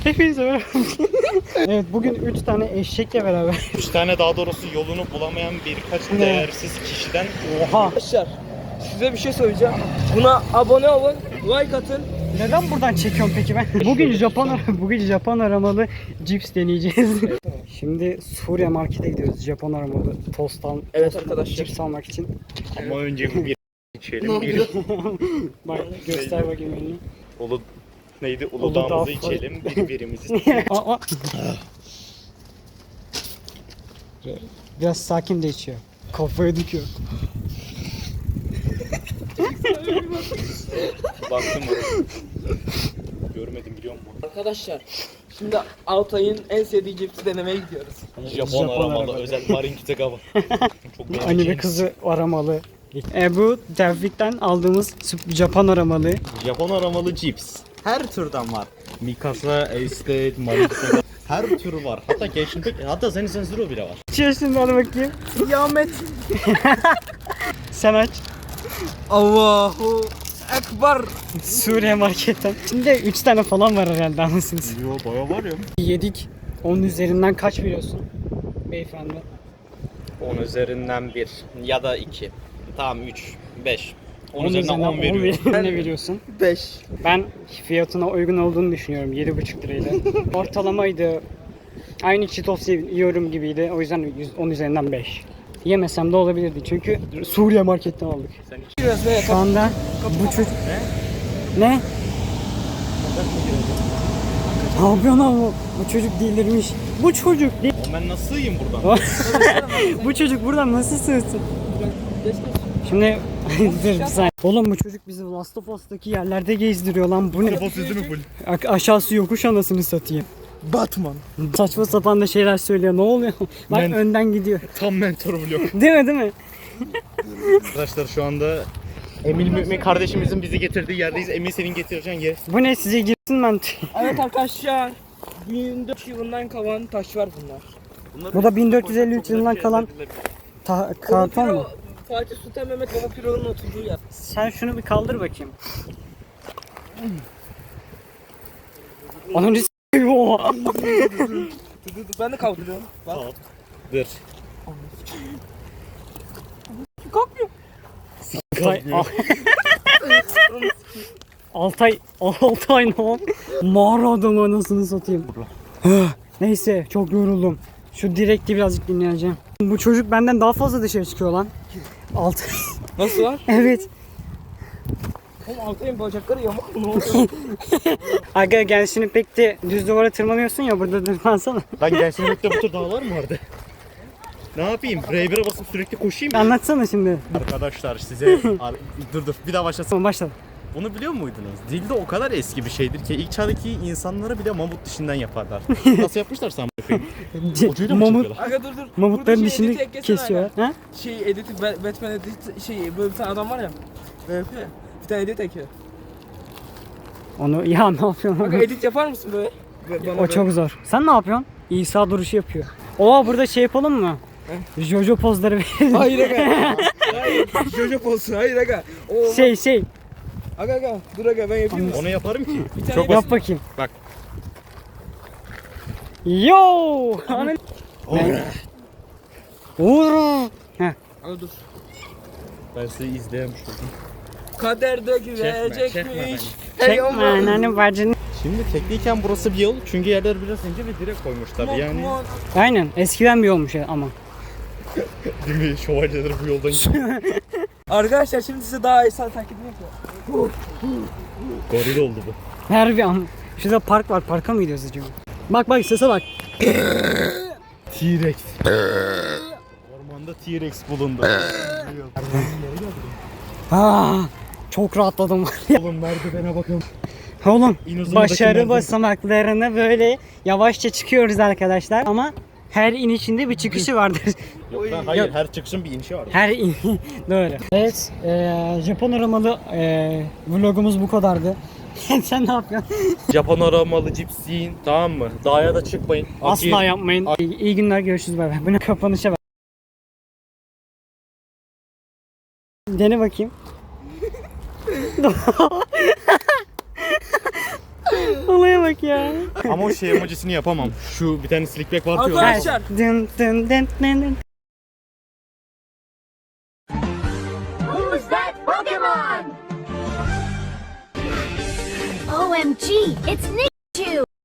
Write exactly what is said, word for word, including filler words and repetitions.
Hepinize merhaba. Evet, bugün üç tane eşekle beraber. Üç tane daha doğrusu yolunu bulamayan birkaç değersiz kişiden. Oha. Arkadaşlar size bir şey söyleyeceğim. Buna abone olun, like atın. Neden buradan çekiyorum peki ben? Bugün Japon bugün Japon aramalı cips deneyeceğiz. Şimdi Suriye markete gidiyoruz. Japon aramalı tost al, Evet tost, arkadaşlar. cips almak için. Ama önce bir içelim. Bir Bak göster bakayım elini. Ulu neydi? Uludağ Uludağ'ımızı falan. içelim. Birbirimizi. Aa, aa. Biraz sakin de içiyor. Kafayı dikiyor. Baktım mı? Görmedim biliyor musun? Arkadaşlar şimdi Altay'ın en sevdiği cipsi denemeye gidiyoruz. Japon, Japon aramalı aramalı. özel Marin Kitagawa. Çok Anime beğeneceğiniz. kızı aramalı. E, bu Tevfik'ten aldığımız Japon aramalı. Japon aramalı cips. Her türden var. Mikasa, Estate, Marin Kitagawa. Her tür var. Hatta Genshin Impact, hatta Zen Zen Zero bile var. Açıyor şimdi, hadi bakayım. Kıyamet. Sen aç. Allahu Ekber. Suriye marketten. Şimdi üç tane falan var herhalde, anlasınız. Yo baya var ya. Yedik. Onun üzerinden kaç veriyorsun beyefendi? on üzerinden bir ya da iki. Tamam üç, beş. on Onun üzerinden on veriyorum. veriyorum. Ne veriyorsun? beş. Ben fiyatına uygun olduğunu düşünüyorum. yedi buçuk liraydı. Ortalamaydı. Aynı Cheetos yiyorum gibiydi. O yüzden on üzerinden beş. Yemesem de olabilirdi çünkü Suriye marketten aldık. Sen hiç Biraz böyle Şu anda bu çocuk... Ne? Ne? Ne yapıyorsun abi? Bu çocuk delirmiş. Bu çocuk değil. ben nasıl yiyeyim buradan? Bu çocuk buradan nasıl sığsın? Şimdi dur bir saniye. Oğlum bu çocuk bizi Last of Us'taki yerlerde gezdiriyor lan. Bu ne? Sözü mü full? A- aşağısı yokuş anasını satayım. Batman. Saçma sapan da şeyler söylüyor. Ne oluyor? Bak Ben- önden gidiyor. Tam mentor vlog. Değil mi, değil mi? Arkadaşlar şu anda Emil Mümin kardeşimizin bizi getirdiği yerdeyiz. Emil senin getireceğin yer. Bu ne, size girsin ben. Evet arkadaşlar. bin dört yüz yılından kalan taşlar bunlar. Bu da bin dört yüz elli üç yılından kalan ta- karton mu? Fatih Sultan Mehmet Baba Piro'nun oturduğu yer. Sen şunu bir kaldır bakayım. Onun Oha. Ben de kaldırıyorum. Bak. Dur. Kalkmıyor. Altay, Altay, Altay ne o? Mağara adamı anasını satayım. Neyse, çok yoruldum. Şu direkti birazcık dinleyeceğim. Bu çocuk benden daha fazla dışarı çıkıyor lan. Altay. Nasıl var? Evet. Oğlum Altay'ın bacakları yamak mı oldu? Aga gel şimdi, pek de düz duvara tırmanıyorsun ya, burada tırmansana. Ben Genshin Impact'te bu tür dağlar mı vardı? Ne yapayım? R bir'e basıp sürekli koşayım mı? Anlatsana şimdi. Arkadaşlar size... Ar- dur dur bir daha başlasın. Tamam, başla. Bunu biliyor muydunuz? Dilde o kadar eski bir şeydir ki ilk çağdaki insanları bile mamut dişinden yaparlar. Nasıl yapmışlar sen bakayım? Ucuyla mı Mamut, çekiyorlar? Aga dur dur. mamutların Burada şey dişini editi eklesene kesiyor. aga. Ha? Şey editi Ba- Batman edit şey böyle bir tane adam var ya. Böyle yapıyor ya. Bir tane edit ekiyor. Onu ya ne yapıyorsun? Aga edit yapar mısın böyle? Bana O böyle. çok zor. Sen ne yapıyorsun? İsa duruşu yapıyor. Oha, burada şey yapalım mı? Jojo pozları verelim. Hayır aga. Hayır. Jojo olsun. Hayır aga. O Şey şey. Aga aga. Dur aga ben yapayım. Onu yaparım ki. Bir tane Çok Yap basit. bakayım. Bak. Yo! Anıl. Uğur. Heh. Aga dur. Ben sizi izleyemiş oldum. Kader de çekme beni. gülecekmiş. Hey Çekme aman. ananı bacını. Şimdi tekniken burası bir yol çünkü yerler biraz ince ve direkt koymuşlar yani. Aynen. Eskiden bir olmuş ya ama. Değil mi? Şövalyeler bu yoldan gidiyor. Arkadaşlar şimdi size daha insan taklidini yapıyorum. Goril oldu bu. Her bir an. Şurada park var. Parka mı gidiyoruz acaba? Bak bak, sese bak. T-Rex. Ormanda T-Rex bulundu. Aa, çok rahatladım. Oğlum merdivene bakın. Oğlum, İnozum'daki başarı merdiven. basamaklarına böyle yavaşça çıkıyoruz arkadaşlar. Ama her inişinde bir çıkışı vardır. Yok lan hayır, Yok. her çıkışın bir inişi var. Her in... Doğru. Evet, eee Japon aramalı eee vlogumuz bu kadardı. Sen ne yapıyorsun? Japon aramalı cips yiyin, tamam mı? Dağa da çıkmayın. Asla yapmayın. İyi, iyi günler, görüşürüz, bay bay. Bunu kapanışa bak. Dene bakayım. Olaya bak ya. Ama o şey emojisini yapamam. Şu bir tane slickback var diyor. Arkadaşlar. Dın dın dın dın dın. Who's that Pokemon? O M G, it's Nick!